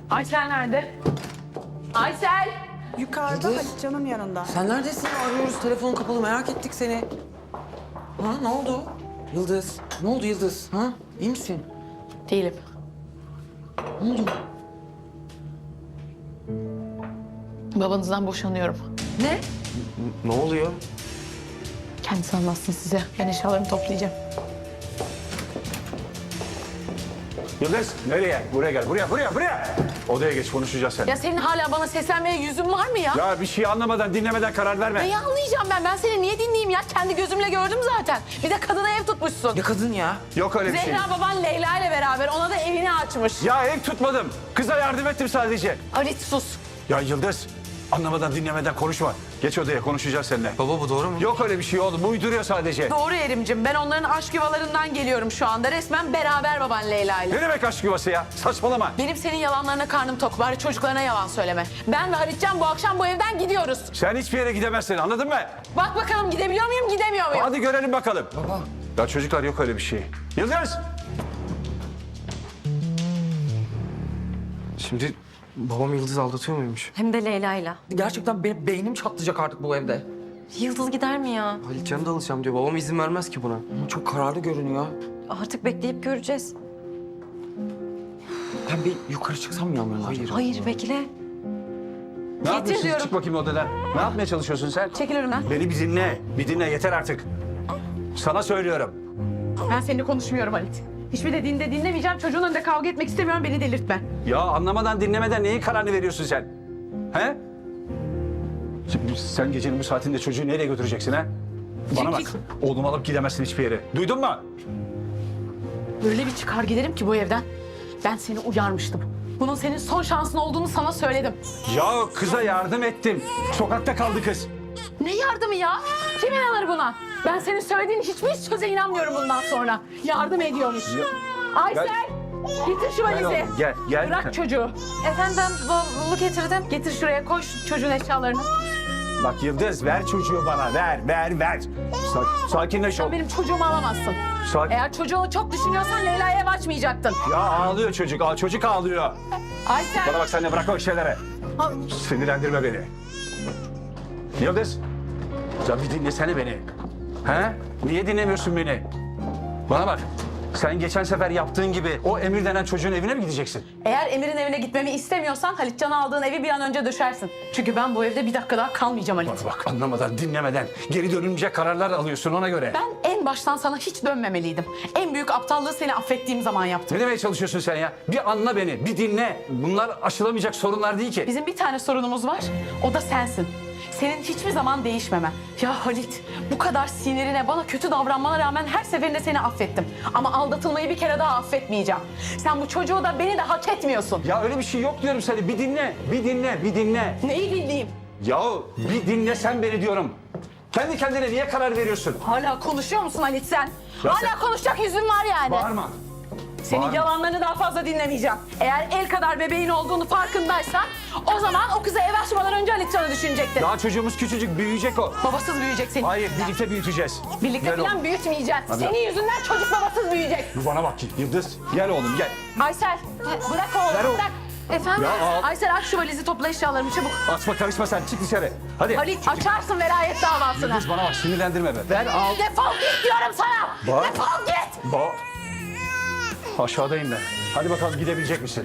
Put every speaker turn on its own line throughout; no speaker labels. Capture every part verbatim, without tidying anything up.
Aysel nerede? Aysel!
Yukarıda
Yıldız.
Hatice'nin yanında.
Sen neredesin? Arıyoruz. Telefonun kapalı. Merak ettik seni. Ha ne oldu? Yıldız. Ne oldu Yıldız? Ha? İyi misin?
Değilim.
Ne oldu?
Babanızdan boşanıyorum.
Ne? Ne oluyor?
Kendisi anlatsın size. Ben eşyalarımı toplayacağım.
Yıldız nereye? Buraya gel. Buraya, buraya, buraya. Odaya geç konuşacağız seninle.
Ya senin hala bana seslenmeye yüzün var mı ya?
Ya bir şey anlamadan, dinlemeden karar verme.
Neyi anlayacağım ben? Ben seni niye dinleyeyim ya? Kendi gözümle gördüm zaten. Bir de kadına ev tutmuşsun.
Ya kadın ya.
Yok öyle bir şey.
Zehra baban Leyla ile beraber ona da evini açmış.
Ya ev tutmadım. Kıza yardım ettim sadece.
Halit sus.
Ya Yıldız, anlamadan, dinlemeden konuşma. Geç odaya konuşacağız seninle.
Baba bu doğru mu?
Yok öyle bir şey oğlum. Bu uyduruyor sadece.
Doğru Erim'cim. Ben onların aşk yuvalarından geliyorum şu anda. Resmen beraber baban Leyla ile.
Ne demek aşk yuvası ya? Saçmalama.
Benim senin yalanlarına karnım tok. Bari çocuklarına yalan söyleme. Ben ve Halitcan bu akşam bu evden gidiyoruz.
Sen hiçbir yere gidemezsin, anladın mı?
Bak bakalım gidebiliyor muyum, gidemiyor muyum?
Hadi görelim bakalım.
Baba.
Ya çocuklar yok öyle bir şey. Yıldız!
Şimdi babam Yıldız aldatıyor muymuş?
Hem de Leyla'yla.
Gerçekten benim beynim çatlayacak artık bu evde.
Yıldız gider mi ya?
Halitcan'ı da alacağım diyor. Babam izin vermez ki buna.
Ama çok kararlı görünüyor.
Artık bekleyip göreceğiz.
Ben bir yukarı çıksam mı yanlarına?
Hayır.
Hayır bekle.
Ne yapıyorsun?
diyorum.
Çık bakayım odadan. Ne yapmaya çalışıyorsun sen?
Çekil önümden.
Beni bir dinle. Bir dinle yeter artık. Sana söylüyorum.
Ben seninle konuşmuyorum Halit. Hiçbir dediğinde dinlemeyeceğim. Çocuğun önünde kavga etmek istemiyorum. Beni delirtme.
Ya anlamadan dinlemeden neyin kararını veriyorsun sen? He? Şimdi sen gecenin bu saatinde çocuğu nereye götüreceksin ha? Bana bak.
Çekil.
Oğlumu alıp gidemezsin hiçbir yere. Duydun mu?
Öyle bir çıkar giderim ki bu evden. Ben seni uyarmıştım. Bunun senin son şansın olduğunu sana söyledim.
Ya kıza yardım ettim. Sokakta kaldı kız.
Ne yardımı ya? Kim inanır buna? Ben senin söylediğin hiçbir söze inanmıyorum bundan sonra. Yardım ediyormuş. Aysel! Getir şu valizi.
oğlum, gel, gel.
Bırak çocuğu.
Efendim ben bavulu getirdim.
Getir şuraya koy şu çocuğun eşyalarını.
Bak Yıldız ver çocuğu bana. Ver, ver, ver. Sa- sakinleş ol.
Sen benim çocuğumu alamazsın.
Sakin.
Eğer çocuğunu çok düşünüyorsan Leyla'ya ev açmayacaktın.
Ya ağlıyor çocuk. Aa, çocuk ağlıyor.
Aysel!
Bana bak sen de bırak o şeyleri. Sinirlendirme beni. Yıldız. Ya bir dinlesene beni. He? Niye dinlemiyorsun beni? Bana bak. Sen geçen sefer yaptığın gibi o Emir denen çocuğun evine mi gideceksin?
Eğer Emir'in evine gitmemi istemiyorsan Halitcan'a aldığın evi bir an önce döşersin. Çünkü ben bu evde bir dakika daha kalmayacağım Halit.
Bak bak anlamadan, dinlemeden geri dönülmeyecek kararlar alıyorsun ona göre.
Ben en baştan sana hiç dönmemeliydim. En büyük aptallığı seni affettiğim zaman yaptım.
Ne demeye çalışıyorsun sen ya? Bir anla beni, bir dinle. Bunlar aşılamayacak sorunlar değil ki.
Bizim bir tane sorunumuz var. O da sensin. Senin hiçbir zaman değişmemen. Ya Halit, bu kadar sinirine, bana kötü davranmana rağmen her seferinde seni affettim. Ama aldatılmayı bir kere daha affetmeyeceğim. Sen bu çocuğu da beni de hak etmiyorsun.
Ya öyle bir şey yok diyorum sana. Bir dinle, bir dinle, bir dinle.
Neyi dinleyeyim?
Ya bir dinle sen beni diyorum. Kendi kendine niye karar veriyorsun?
Hala konuşuyor musun Halit sen?
Ya
Hala
sen-
konuşacak yüzün var yani.
Bağırma.
Senin
Bağırma.
yalanlarını daha fazla dinlemeyeceğim. Eğer el kadar bebeğin olduğunu farkındaysan o zaman o kıza ev açmadan önce Halitcan'ı düşünecektin.
Daha çocuğumuz küçücük, büyüyecek o.
Babasız büyüyecek senin.
Hayır, birlikte büyüteceğiz.
Birlikte
Gel
falan
oğlum.
büyütmeyeceksin.
Hadi.
Senin yüzünden çocuk babasız büyüyecek.
Bana bak Yıldız. Gel oğlum gel.
Aysel bırak oğlum
Ver oğlum.
bırak.
Efendim?
Ya al.
Aysel aç şu valizi topla eşyalarımı çabuk.
Açma karışma sen çık dışarı. Hadi.
Halit açarsın velayet davasını.
Yıldız bana bak sinirlendirme be. Ver al.
Defol git diyorum sana.
Bak.
Defol git.
Ba Aşağıdayım ben. Hadi bakalım gidebilecek misin?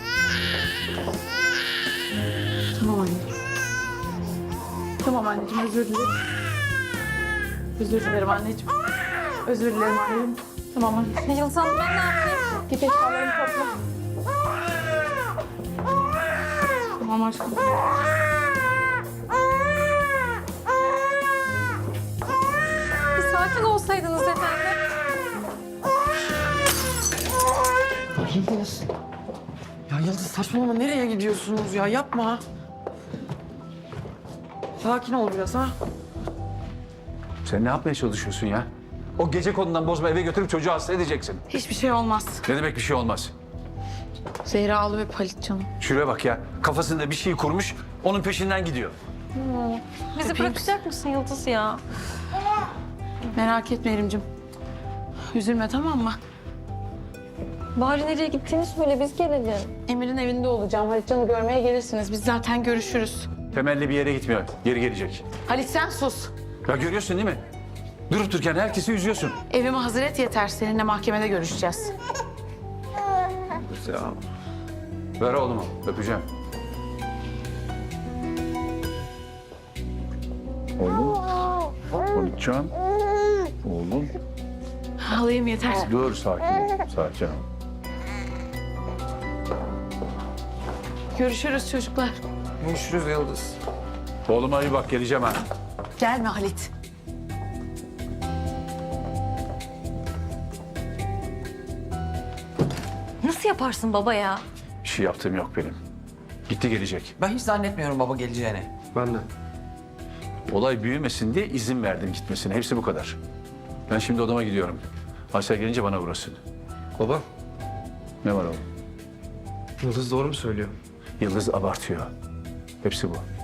Tamam anneciğim. Tamam anneciğim özür dilerim. Özür dilerim anneciğim. Özür dilerim anneciğim. Tamam anneciğim.
Yıldız Hanım ben ne yapayım?
Git eşyalarını topla. Tamam aşkım.
Bir sakin olsaydınız efendim.
Yıldız. Ya Yıldız saçmalama nereye gidiyorsunuz ya yapma. Sakin ol biraz ha.
Sen ne yapmaya çalışıyorsun ya? O gece konudan bozma eve götürüp çocuğu hasta edeceksin.
Hiçbir şey olmaz.
Ne demek bir şey olmaz?
Zehra ağlı ve Halit canım.
Şuraya bak ya. Kafasında bir şey kurmuş. Onun peşinden gidiyor.
Bizi bırakacak mısın Yıldız ya?
Merak etme Erim'cim. Üzülme tamam mı?
Bari nereye gittiğini söyle biz gelelim.
Emir'in evinde olacağım. Halitcan'ı görmeye gelirsiniz. Biz zaten görüşürüz.
Temelli bir yere gitmiyor. Geri gelecek.
Halit sen sus.
Ya görüyorsun değil mi? Durup dururken herkesi üzüyorsun.
Evime hazır et yeter. Seninle mahkemede görüşeceğiz.
Ya. Ver oğlumu. Öpeceğim. Oğlum. Halitcan. Oğlum.
Alayım yeter.
Dur sakin ol. Sakin ol.
Görüşürüz çocuklar.
Görüşürüz Yıldız.
Oğluma iyi bak geleceğim ha.
Gelme Halit.
Nasıl yaparsın baba ya?
Bir şey yaptığım yok benim. Gitti gelecek.
Ben hiç zannetmiyorum baba geleceğini.
Ben de.
Olay büyümesin diye izin verdim gitmesine. Hepsi bu kadar. Ben şimdi odama gidiyorum. Aysel gelince bana uğrasın.
Baba,
Ne var oğlum?
Yıldız doğru mu söylüyor?
Yıldız abartıyor. Hepsi bu.